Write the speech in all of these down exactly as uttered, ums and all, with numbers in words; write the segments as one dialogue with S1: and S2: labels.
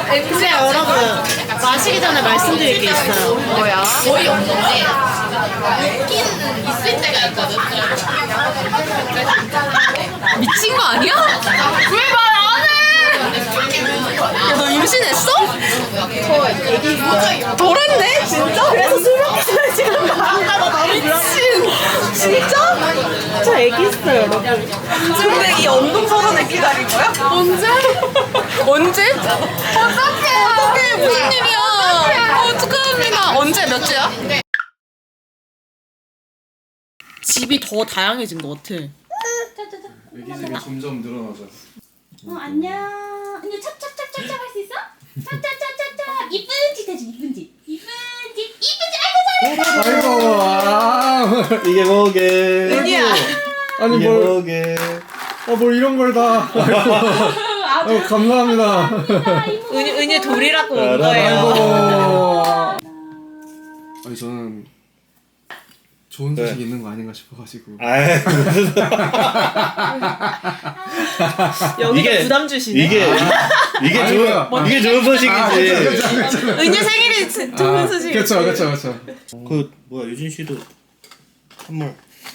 S1: 근데 여러분 마시기 전에 말씀드릴 게 있어요.
S2: 뭐야? 거의 없는데 있긴 있을 때가 있거든. 미친 거 아니야? 왜 말 안 해? 야, 너 임신했어? 저 애기 덜했네? 진짜?
S1: 그래서 술 먹기 전에 지금 나온다. 나 미친. 진짜? 저 애기 있어요, 여러분.
S2: 근데 이 운동 선언을 기다린 거야? 언제? 언제? 어떡해 어떡해 무슨 일이야 어떡합니다. 언제 몇 주야?
S1: 집이 더 다양해진 것 같아.
S3: 애기집이 점점 늘어나죠.
S4: 어 안녕. 언니 찹찹찹찹찹 할 수 있어? 찹찹찹찹찹 이쁜 짓 해줘 이쁜 짓 이쁜 짓 이쁜 짓 아이고 잘해.
S3: 아이고, 아, 이게 뭐게?
S1: 은희야.
S3: 아니
S5: 이게
S3: 뭘?
S5: 뭐게?
S3: 아, 뭘 이런 걸 다? 아이고, 감사합니다.
S1: 은희 은희 돌이라고 온
S5: 알아.
S1: 거예요.
S3: 아이고. 아니 저는 좋은 소식
S5: 네.
S3: 있는 거 아닌가 싶어가지고.
S5: 아이 무슨
S1: 여기도
S5: 이게-
S1: 부담 주시네.
S5: 이게 이게
S3: 아이고야.
S5: 좋은 이게 좋은 소식이지.
S3: 아, 그쵸, 그쵸, 그쵸.
S1: 은희 생일이 지- 좋은 소식이지.
S3: 그렇죠, 그렇죠, 그렇죠.
S5: 그 뭐야 유진 씨도 선물.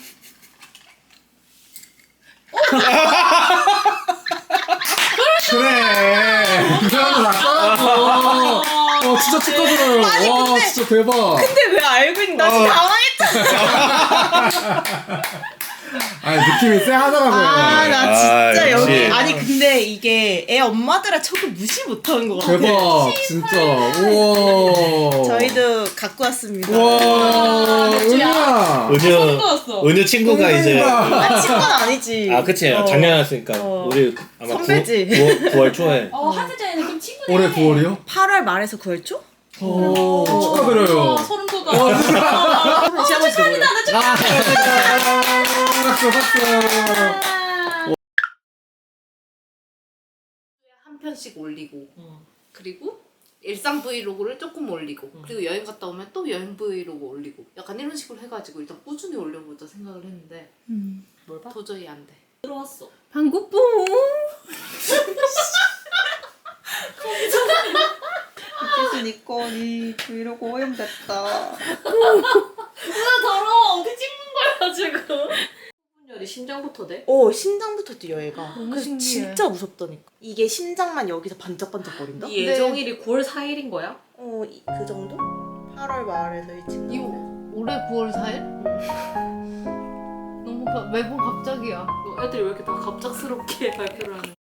S3: 그래. 그 사람도 다 써놨어. 어, 진짜 축하드려요. 와, 진짜 대박.
S1: 근데 왜 알고 있는? 나 진짜 당황했잖아.
S3: 아니 느낌이 쎄하더라고요.
S1: 아, 나 진짜
S5: 아,
S1: 여기
S5: 역시.
S1: 아니 근데 이게 애 엄마들아 저거 무시 못하는 것 같아.
S3: 대박, 진짜. 우와.
S1: 저희도 갖고 왔습니다.
S3: 우와, 은희야.
S5: 은유
S1: 왔어.
S5: 은유 친구가 이제
S1: 아, 친구는 아니지.
S5: 아 그치
S1: 어.
S5: 작년 왔으니까
S1: 어.
S5: 우리 아마
S1: 선배지.
S5: 구월 초에
S4: 어 하트 전에는 좀 친구네.
S3: 올해 구월이요?
S1: 팔월 말에서 구월 초?
S3: 오, 축하드려요.
S4: 소름 돋아.
S1: 축하합니다.
S3: 아, 박수, 박수.
S2: 한 편씩 올리고 그리고 일상 브이로그를 조금 올리고 그리고 여행 갔다 오면 또 여행 브이로그 올리고 약간 이런 식으로 해가지고 일단 꾸준히 올려보자 생각을 했는데
S1: 뭘 봐?
S2: 도저히 안 돼.
S4: 들어왔어.
S1: 방구뽕. 이제는 이 건이 브이로그 오염됐다.
S4: 누나 더러워. 어디 찍는 거야 지금? 열이 심장부터 돼?
S1: 오, 심장부터 뛰어 얘가.
S4: 너무
S1: 그래서
S4: 신기해.
S1: 진짜 무섭다니까. 이게 심장만 여기서 반짝반짝거린다?
S4: 이 예정일이 구월 사일인 거야?
S1: 어, 이- 그 정도? 팔월 말에서 이 친구.
S2: 이거 올해 구월 사일? 너무 가, 매번 갑자기야.
S4: 어, 애들이 왜 이렇게 다 갑작스럽게 발표를 하는